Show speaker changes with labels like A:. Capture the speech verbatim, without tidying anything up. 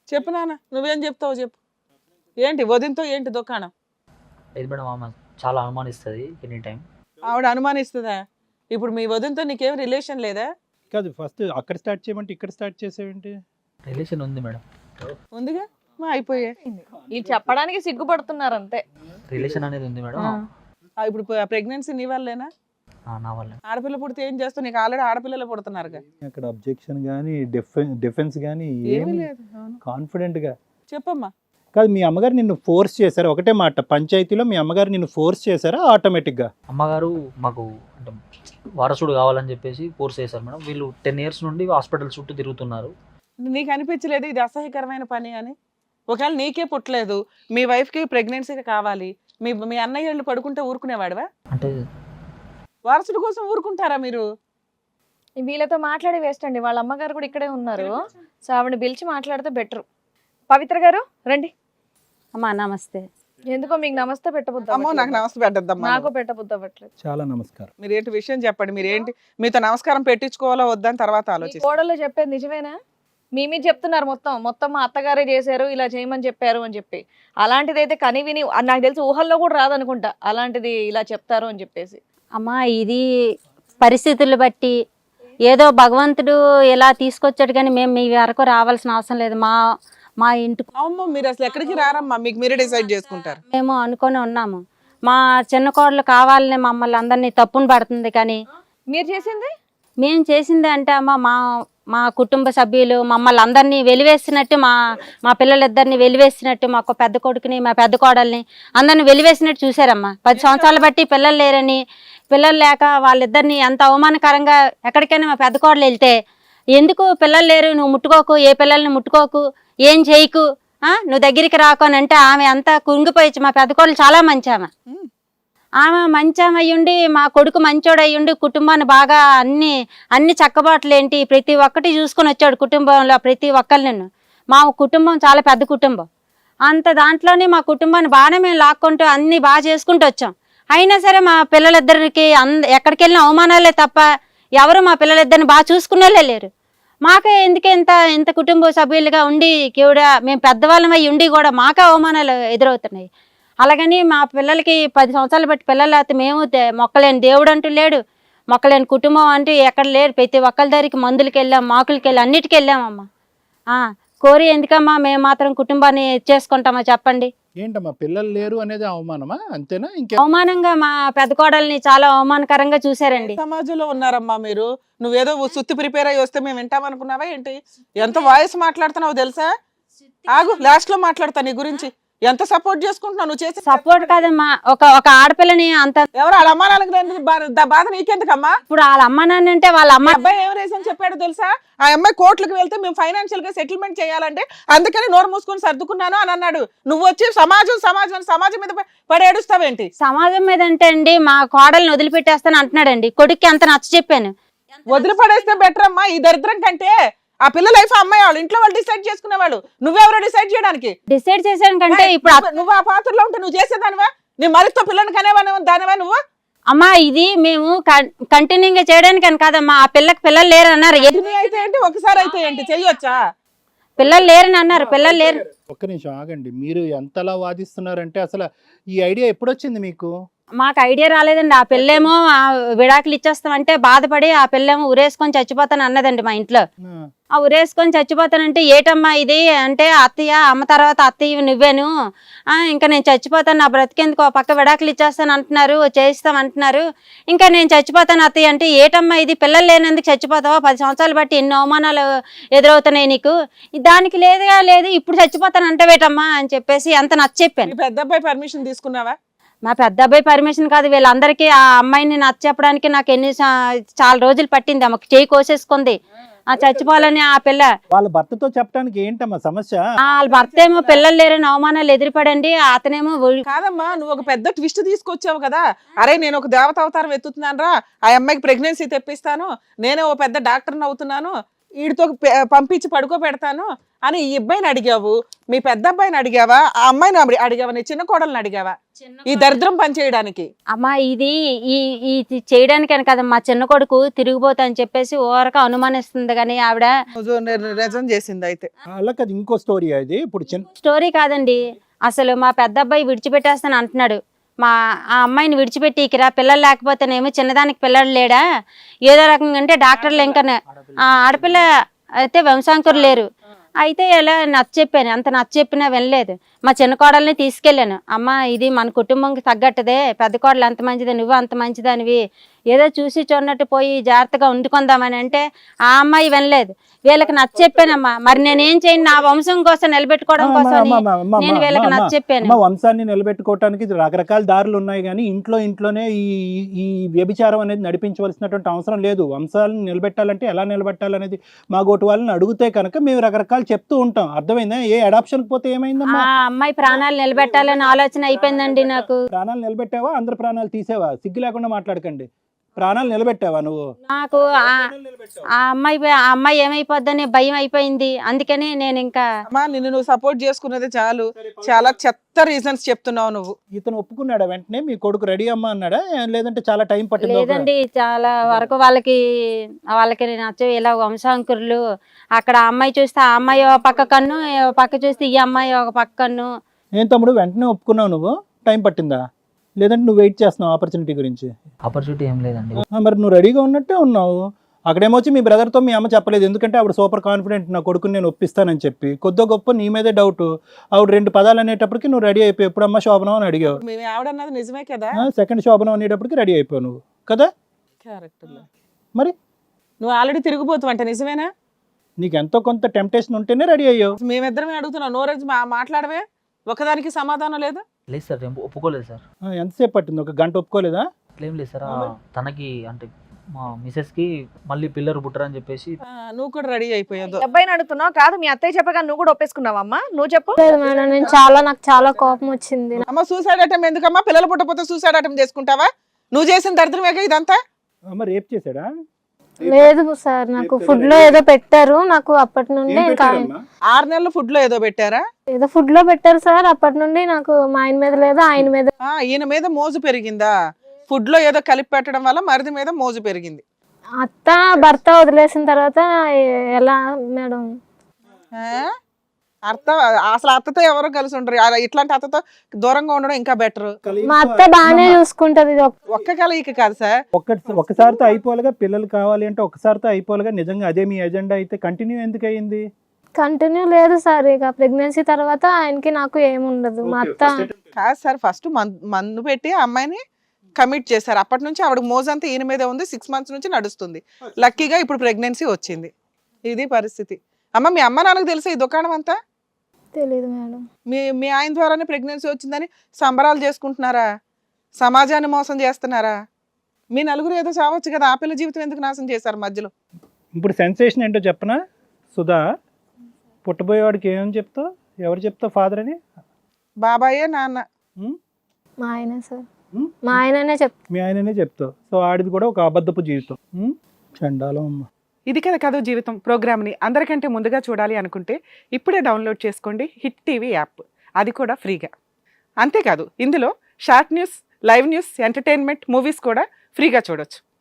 A: చెప్పు నాన్న, నువ్వేం చెప్తావు చెప్పు. ఏంటి వదినతో ఏంటి దుకాణం?
B: లేదు మేడం, ఆమె చాలా అనుమానిస్తుంది ఎనీ టైం.
A: ఆవిడ అనుమానిస్తుందా? ఇప్పుడు మీ వదినతో నీకేం రిలేషన్ లేదా?
C: కాదు, ఫస్ట్ అక్కడ స్టార్ట్ చేయమంటే ఇక్కడ స్టార్ట్ చేసేవేంటి?
B: రిలేషన్ ఉంది మేడం,
A: ఉందిగా, మా అయిపోయా.
D: వీళ్ళు చెప్పడానికి సిగ్గుపడుతున్నారు అంతే.
B: రిలేషన్ అనేది ఉంది మేడం.
A: ఆ, ఇప్పుడు ప్రెగ్నెన్సీ నీ వల్లేనా?
B: ఆ, నా వల్ల.
A: ఆడపిల్ల పుడితే ఏం చేస్తావు? నీకు ఆల్రెడీ ఆడపిల్లలు పుడుతున్నారుగా.
C: అక్కడ అబ్జెక్షన్ కానీ డిఫెన్స్ కానీ
A: ఏమీ
C: ఏమి
A: లేదు. అవును.
C: కాన్ఫిడెంట్ గా
A: చెప్పమ్మా.
C: కాదు, మీ అమ్మగారు నిన్ను ఫోర్స్ చేశారా? ఒకటే మాట, పంచాయతీలో మీ అమ్మగారు నిన్ను ఫోర్స్ చేశారా ఆటోమేటిక్ గా?
B: అమ్మగారు మాకు అంటే వారసుడు కావాలని చెప్పేసి ఫోర్స్ చేశారు మేడం. వీళ్ళు టెన్ ఇయర్స్ నుండి హాస్పిటల్ చుట్టూ తిరుగుతున్నారు.
A: నీకు అనిపించలేదు ఇది అసహ్యకరమైన పని అని? ఒకవేళ నీకే పుట్టలేదు, మీ వైఫ్కి ప్రెగ్నెన్సీ కావాలి, మీ మీ అన్నయ్య వాళ్ళు పడుకుంటే ఊరుకునేవాడివా?
B: అంటే
A: వారసుడు కోసం ఊరుకుంటారా మీరు?
D: వీళ్ళతో మాట్లాడి వేస్ట్ అండి. వాళ్ళ అమ్మగారు కూడా ఇక్కడే ఉన్నారు. సో ఆవిడ పిలిచి మాట్లాడితే బెటర్. పవిత్ర గారు రండి.
E: అమ్మా నమస్తే.
D: ఎందుకో మీకు నమస్తే పెట్టబుద్ది
A: అమ్మో, నాకు
D: అవ్వట్లేదు.
A: నమస్తే పెట్టద్దమ్మా.
D: నాకు పెట్టబుద్ది అవ్వట్లేదు.
C: చాలా నమస్కారం.
A: మీరు ఏంటి విషయం చెప్పండి. మీరు ఏంటి మీతో నమస్కారం పెట్టించుకోవాలా వద్దని తర్వాత
D: మీ
A: ఆలోచిస్తాను.
D: కోడలు చెప్పేది నిజమేనా? మీ మీద చెప్తున్నారు మొత్తం మొత్తం మా అత్తగారే చేశారు, ఇలా చేయమని చెప్పారు అని చెప్పి. అలాంటిది అయితే కని విని నాకు తెలిసి ఊహల్లో కూడా రాదనుకుంటా అలాంటిది ఇలా చెప్తారు అని చెప్పేసి.
E: అమ్మా ఇది పరిస్థితులు బట్టి ఏదో భగవంతుడు ఇలా తీసుకొచ్చాడు, కానీ మేము మీ వరకు రావాల్సిన అవసరం లేదు. మా మా ఇంటికి
A: అమ్మో, మీరు అసలు ఎక్కడికి రారమ్మా, మీకు మీరే డిసైడ్ చేసుకుంటారు.
E: మేము అనుకొని ఉన్నాము. మా చిన్న కోడలు కావాలని మమ్మల్ని అందరినీ తప్పును పడుతుంది, కానీ
D: మీరు చేసింది
E: మేము చేసింది అంటే అమ్మ మా మా కుటుంబ సభ్యులు మమ్మల్ని అందరినీ వెలివేసినట్టు, మా మా పిల్లలిద్దరిని వెలివేసినట్టు, మా పెద్ద కొడుకుని మా పెద్ద కోడల్ని అందరిని వెలివేసినట్టు చూశారమ్మా. పది సంవత్సరాలు బట్టి పిల్లలు లేరని, పిల్లలు లేక వాళ్ళిద్దరిని ఎంత అవమానకరంగా ఎక్కడికైనా మా పెద్ద కోడలు వెళ్తే, ఎందుకు పిల్లలు లేరు, నువ్వు ముట్టుకోకు, ఏ పిల్లల్ని ముట్టుకోకు, ఏం చేయకు, నువ్వు దగ్గరికి రాకు అని అంటే ఆమె అంతా కుంగిపోయి, మా పెద్ద కోడలు చాలా మంచి ఆమె. ఆమె మంచం అయ్యుండి, మా కొడుకు మంచోడు అయ్యుండి, కుటుంబాన్ని బాగా అన్ని అన్ని చక్కబాట్లు ఏంటి ప్రతి ఒక్కటి చూసుకొని వచ్చాడు కుటుంబంలో ప్రతి ఒక్కరిని. మా కుటుంబం చాలా పెద్ద కుటుంబం. అంత దాంట్లోనే మా కుటుంబాన్ని బాగానే మేము లాక్కుంటూ అన్ని బాగా చేసుకుంటూ వచ్చాం. అయినా సరే మా పిల్లలిద్దరికి అంద ఎక్కడికి వెళ్ళిన అవమానాలే తప్ప ఎవరు మా పిల్లలిద్దరిని బాగా చూసుకునేలే లేరు. మాకే ఎందుకు ఇంత ఇంత కుటుంబ సభ్యులుగా ఉండి కూడా మేము పెద్దవాళ్ళం అయ్యి ఉండి కూడా మాకే అవమానాలు ఎదురవుతున్నాయి. అలాగని మా పిల్లలకి పది సంవత్సరాలు బట్టి పిల్లలు అయితే మేము మొక్కలేని దేవుడు అంటూ లేడు, మొక్కలేని కుటుంబం అంటూ ఎక్కడ లేరు. ప్రతి ఒక్కరి దగ్గరికి మందులకి వెళ్ళాం, మాకులకి వెళ్ళాం, అన్నిటికీ వెళ్ళామమ్మా. కోరి ఎందుకమ్మా మేము మాత్రం కుటుంబాన్ని చేసుకుంటామా చెప్పండి?
C: ఏంటమ్మా పిల్లలు లేరు అనేది అవమానమా? అంతేనా? ఇంకే
E: అవమానంగా మా పెద్ద కోడల్ని చాలా అవమానకరంగా చూశారండి.
A: సమాజంలో ఉన్నారమ్మా మీరు. నువ్వేదో సుత్తి ప్రిపేర్ అయ్యి వస్తే మేము వింటామనుకున్నావా ఏంటి? ఎంత వాయిస్ మాట్లాడుతున్నావు తెలుసా? ఆగు, లాస్ట్ లో మాట్లాడతా నీ గురించి. ఎంత సపోర్ట్ చేసుకుంటున్నావు నువ్వు చేసే
E: సపోర్ట్ కాదమ్మా, ఒక ఒక ఆడపిల్లని అంత
A: ఎవరు వాళ్ళ అమ్మా నాన్నకి బాధ నీకెందుకమ్మా?
E: ఇప్పుడు వాళ్ళ అమ్మ నాన్న అంటే వాళ్ళ అమ్మ
A: మా అబ్బాయి ఏం రీజన్ చెప్పాడు తెలుసా? ఆ అమ్మాయి కోర్టులకు వెళ్తే మేము ఫైనాన్షియల్ గా సెటిల్మెంట్ చేయాలంటే అందుకని నోరు మూసుకొని సర్దుకున్నాను అని అన్నాడు. నువ్వు వచ్చి సమాజం సమాజం సమాజం మీద పడి ఏడుస్తావేంటి?
E: సమాజం మీద అంటే అండి మా కోడల్ని వదిలిపెట్టేస్తాను అంటున్నాడండి. కొడుక్కి అంత నచ్చ చెప్పాను.
A: వదిలిపడేస్తే బెటర్ అమ్మా ఈ దరిద్రం కంటే. ఆ పిల్ల లైఫ్ అమ్మాయి వాళ్ళు ఇంట్లో వాళ్ళు డిసైడ్ చేసుకునేవాళ్ళు, నువ్వెవరో డిసైడ్ చేయడానికి.
E: డిసైడ్ చేశాను కంటే ఇప్పుడు అత్త-
A: నువ్వు ఆ పాత్రలో ఉంటే నువ్వు చేసేదానివా? నీ మరితో పిల్లని కనేవాని దానివా నువ్వు?
E: అమ్మా ఇది మేము కంటిన్యూగా చేయడానికి అని కాదమ్మా. ఆ పిల్లకి పిల్లలు లేరు అన్నారు. ఎది-
A: ఎన్ని అయితే ఏంటి, ఒకసారి అయితే ఏంటి, చెయ్యొచ్చా?
E: పిల్లలు లేరని అన్నారు, పిల్లలు లేరు.
C: ఒక్క నిమిషం ఆగండి. మీరు ఎంతలా వాదిస్తున్నారంటే అసలు ఈ ఐడియా ఎప్పుడొచ్చింది మీకు?
E: మాకు ఐడియా రాలేదండి. ఆ పిల్లేమో ఆ విడాకులు ఇచ్చేస్తామంటే బాధపడి ఆ పిల్లేమో ఉరేసుకొని చచ్చిపోతాను అన్నదండి మా ఇంట్లో. ఆ ఉరేసుకొని చచ్చిపోతానంటే ఏటమ్మా ఇది అంటే, అత్తయ్య అమ్మ తర్వాత అత్తయ్య నువ్వేను, ఇంకా నేను చచ్చిపోతాను, నా బ్రతికేందుకు ఆ పక్క విడాకులు ఇచ్చేస్తాను అంటున్నారు, చేయిస్తాం అంటున్నారు, ఇంకా నేను చచ్చిపోతాను అత్తయ్య అంటే, ఏటమ్మా ఇది పిల్లలు లేనందుకు చచ్చిపోతావా? పది సంవత్సరాలు బట్టి ఎన్ని అవమానాలు ఎదురవుతున్నాయి నీకు, దానికి లేదుగా లేదు ఇప్పుడు చచ్చిపోతాను అంటే వేటమ్మా అని చెప్పేసి అంత నచ్చ చెప్పాను.
A: పెద్ద అబ్బాయి పర్మిషన్ తీసుకున్నావా?
E: మా పెద్ద అబ్బాయి పర్మిషన్ కాదు, వీళ్ళందరికీ ఆ అమ్మాయిని నచ్చ చెప్పడానికి నాకు ఎన్ని చాలా రోజులు పట్టింది. ఆమెకు చేయి కోసేసుకుంది, ఆ చచ్చిపోవాలని ఆ పిల్ల.
C: వాళ్ళ భర్తతో చెప్పడానికి ఏంటమ్మా సమస్య?
E: వాళ్ళ భర్త ఏమో పిల్లలు లేరని అవమానాలు ఎదురుపడండి, అతనేమో
A: కాదమ్మా, నువ్వు ఒక పెద్ద ట్విస్ట్ తీసుకొచ్చావు కదా. అరే నేను ఒక దేవత అవతారం ఎత్తుతున్నాను రా, ఆ అమ్మాయికి ప్రెగ్నెన్సీ తెప్పిస్తాను, నేనే ఓ పెద్ద డాక్టర్ని అవుతున్నాను, వీడితో పె- పంపించి పడుకోబెడతాను అని ఈ అబ్బాయిని అడిగావు, మీ పెద్ద అబ్బాయిని అడిగావా, ఆ అమ్మాయిని అడి- అడిగావా, నీ చిన్న కోడల్ని అడిగావా ఈ దరిద్రం పని చేయడానికి?
E: అమ్మా ఇది ఈ ఈ చేయడానికని కదా మా చిన్న కొడుకు తిరిగిపోతా అని చెప్పేసి ఓరక అనుమానిస్తుంది కానీ ఆవిడ
A: నువ్వు ని- నిజం చేసింది అయితే.
C: అలా కదా ఇంకో స్టోరీ అది. ఇప్పుడు చిన్న
E: స్టోరీ కాదండి, అసలు మా పెద్ద అబ్బాయి విడిచిపెట్టేస్తాను అంటున్నాడు. మా ఆ అమ్మాయిని విడిచిపెట్టి ఇకరా పిల్లలు లేకపోతేనేమో చిన్నదానికి పిల్లలు లేడా ఏదో రకంగా అంటే డాక్టర్లు ఇంకా ఆ ఆడపిల్ల అయితే వంశాంకురు లేరు. అయితే ఇలా నచ్చ చెప్పాను, అంత నచ్చ చెప్పినా వినలేదు. మా చిన్న కోడల్ని తీసుకెళ్ళాను, అమ్మ ఇది మన కుటుంబంకి తగ్గట్టదే, పెద్ద కోడలు అంత మంచిదే, నువ్వు అంత మంచిదానివి, ఏదో చూసి చూడనట్టు పోయి జాగ్రత్తగా వండుకుందామని అంటే ఆ అమ్మాయి వినలేదు. వీళ్ళకి నచ్చ చెప్పానమ్మా, మరి నేనేం చేయను, నా వంశం కోసం నిలబెట్టుకోవడం కోసం నేను వీళ్ళకి నచ్చ చెప్పాను.
C: మా వంశాన్ని నిలబెట్టుకోవటానికి రకరకాల దారులు ఉన్నాయి కానీ ఇంట్లో ఇంట్లోనే ఈ ఈ వ్యభిచారం అనేది నడిపించవలసినటువంటి అవసరం లేదు. వంశాలను నిలబెట్టాలంటే ఎలా నిలబెట్టాలనేది మా గోటు వాళ్ళని అడిగితే కనుక మేము రకరకాలు చెప్తూ ఉంటాం. అర్థమైందా? ఏ అడాప్షన్ పోతే ఏమైందమ్మా?
E: ఆ అమ్మాయి ప్రాణాలు నిలబెట్టాలని ఆలోచన అయిపోయిందండి నాకు.
C: ప్రాణాలు నిలబెట్టావా? అందరు ప్రాణాలు తీసేవా? సిగ్గు లేకుండా మాట్లాడకండి. ప్రాణాలు నిలబెట్టావా నువ్వు?
E: నాకు ఆ- ఆ అమ్మాయి ఆ అమ్మాయి ఏమైపోద్దని భయం అయిపోయింది, అందుకని నేను ఇంకా
A: అమ్మా నిన్ను నువ్వు సపోర్ట్ చేసుకున్నది చాలు, చాలా చెత్త రీజన్స్ చెప్తున్నావు నువ్వు.
C: ఇతను ఒప్పుకున్నాడా వెంటనే? మీ కొడుకు రెడీ అమ్మా అన్నాడా లేదంటే చాలా టైం పట్టింది?
E: లేదండి, చాలా వరకు వాళ్ళకి వాళ్ళకి నచ్చవు ఇలా వంశాంకురులు. అక్కడ ఆ అమ్మాయి చూస్తే ఆ అమ్మాయి ఒక పక్క కన్ను, ఓ పక్క చూస్తే ఈ అమ్మాయి ఒక పక్క కన్ను.
C: ఏం తమ్ముడు వెంటనే ఒప్పుకున్నావు నువ్వు? టైం పట్టిందా లేదంటే నువ్వు వెయిట్ చేస్తున్నావు ఆపర్చునిటీ గురించి?
B: ఆపర్చునిటీ ఏం లేదండి.
C: ఆ, మరి నువ్వు రెడీగా ఉన్నట్టే ఉన్నావు. అక్కడేమొచ్చి మీ బ్రదర్తో మీ అమ్మ చెప్పలేదు, ఎందుకంటే ఆవిడ సూపర్ కాన్ఫిడెంట్, నా కొడుకుని నేను ఒప్పిస్తానని చెప్పి. కొద్దో గొప్ప నీ మీదే డౌట్. ఆవిడ రెండు పదాలు అనేటప్పటికి నువ్వు రెడీ అయిపోయి ఎప్పుడు అమ్మ శోభనం అని అడిగావు.
A: మీ ఆవిడన్నది నిజమే కదా?
C: సెకండ్ శోభనం అనేటప్పటికి రెడీ అయిపోయావు నువ్వు కదా?
A: క్యారెక్టర్
C: మరి
A: నువ్వు ఆల్రెడీ తిరిగిపోతావు అంటే నిజమేనా?
C: నీకు ఎంతో కొంత టెంప్టేషన్ ఉంటేనే రెడీ అయ్యావు.
A: మేమిద్దరమే అడుగుతున్నావు, నోరేజ్ మా మాట్లాడవే, ఒకదానికి సమాధానం లేదు.
B: లేదు సార్, ఏం ఒప్పుకోలేదు సార్.
C: ఆ, ఎంతసేపు పట్టింది? ఒక గంట ఒప్పుకోలేదా?
B: అట్లేం లేదు సార్. ఆ, తనకి అంటే మా మిసెస్ కి మళ్ళీ పిల్లలు పుట్టరని చెప్పేసి
A: ఆ, నువ్వు కూడా రెడీ అయిపోయావు.
D: అబ్బాయిని అడుగుతున్నావు కాదు, మీ అత్తయ్య చెప్పగా నువ్వు కూడా ఒప్పేసుకున్నావా అమ్మా? నువ్వు చెప్పు.
F: లేదు మేడం, నేను చాలా నాకు చాలా కోపం వచ్చింది.
A: అమ్మ సూసైడ్ అటెంప్ట్ ఎందుకమ్మా? పిల్లలు పుట్టపోతే సూసైడ్ అటెంప్ట్ చేసుకుంటావా? నువ్వు చేసిన దరిద్రమేగా ఇదంతా.
C: అమ్మ రేప్ చేశాడా?
F: లేదు సార్, నాకు ఫుడ్ లో ఏదో పెట్టారు, నాకు అప్పటి నుండి ఇంకా
A: ఆరు నెలలు ఫుడ్ లో ఏదో పెట్టారా?
F: ఏదో ఫుడ్ లో పెట్టారు సార్. అప్పటి నుండి నాకు మా ఆయన మీద లేదు, ఆయన మీద.
A: ఆ, ఈయన మీద మోజు పెరిగిందా? ఫుడ్ లో ఏదో కలిపి పెట్టడం వల్ల మరిది మీద మోజు పెరిగింది.
F: అత్త భర్త వదిలేసిన తర్వాత ఎలా మేడం?
A: ఆ? అర్థం అసలు అత్తతో ఎవరో కలిసి ఉండరు, అలా ఇట్లాంటి అత్తతో దూరంగా ఉండడం ఇంకా బెటర్.
F: మా అత్త బాగానే చూసుకుంటది. ఇది ఒక్క-
A: ఒక్క కలయిక కాదు సార్.
C: ఒక్క ఒక్కసారితో అయిపోలేగా? పిల్లలు కావాలి అంటే ఒక్కసారితో అయిపోలేగా? నిజంగా అదే మీ ఎజెండా అయితే కంటిన్యూ ఎందుకు అయ్యింది?
F: కంటిన్యూ లేదు సార్. ఇక ప్రెగ్నెన్సీ తర్వాత ఆయనకి నాకు ఏముండదు. మా అత్త
A: కాదు సార్, ఫస్ట్ మందు పెట్టి ఆ అమ్మాయిని కమిట్ చేశారు. అప్పటి నుంచి ఆవిడ మోజంతా ఈయన మీదే ఉంది. సిక్స్ మంత్స్ నుంచి నడుస్తుంది. లక్కీగా ఇప్పుడు ప్రెగ్నెన్సీ వచ్చింది. ఇది పరిస్థితి. అమ్మ మీ అమ్మ నాన్నకు తెలుసా ఈ దుకాణం అంతా?
F: తెలీదు మేడం.
A: మీ మీ ఆయన ద్వారానే ప్రెగ్నెన్సీ వచ్చిందని సంబరాలు చేసుకుంటున్నారా? సమాజాన్ని మోసం చేస్తున్నారా? మీ నలుగురు ఏదో చావచ్చు కదా, ఆ పిల్ల జీవితం ఎందుకు నాశనం చేశారు మధ్యలో?
C: ఇప్పుడు సెన్సేషన్ ఏంటో చెప్పనా సుధా? పుట్టబోయేవాడికి ఏమని చెప్తావు? ఎవరు చెప్తావు ఫాదర్ అని?
A: బాబాయే నాన్న.
C: ఉం?
F: మా ఆయనే సార్,
C: ఉం?
F: మా ఆయననే చెప్
C: మీ ఆయననే చెప్తావు. సో ఆడిది కూడా ఒక అబద్ధపు జీవితం. ఉం? చండాలం అమ్మ.
A: ఇది కదా కథ జీవితం ప్రోగ్రామ్ని అందరికంటే ముందుగా చూడాలి అనుకుంటే ఇప్పుడే డౌన్లోడ్ చేసుకోండి హిట్ టీవీ యాప్, అది కూడా ఫ్రీగా. అంతేకాదు ఇందులో short news, live news, entertainment, movies కూడా ఫ్రీగా చూడొచ్చు.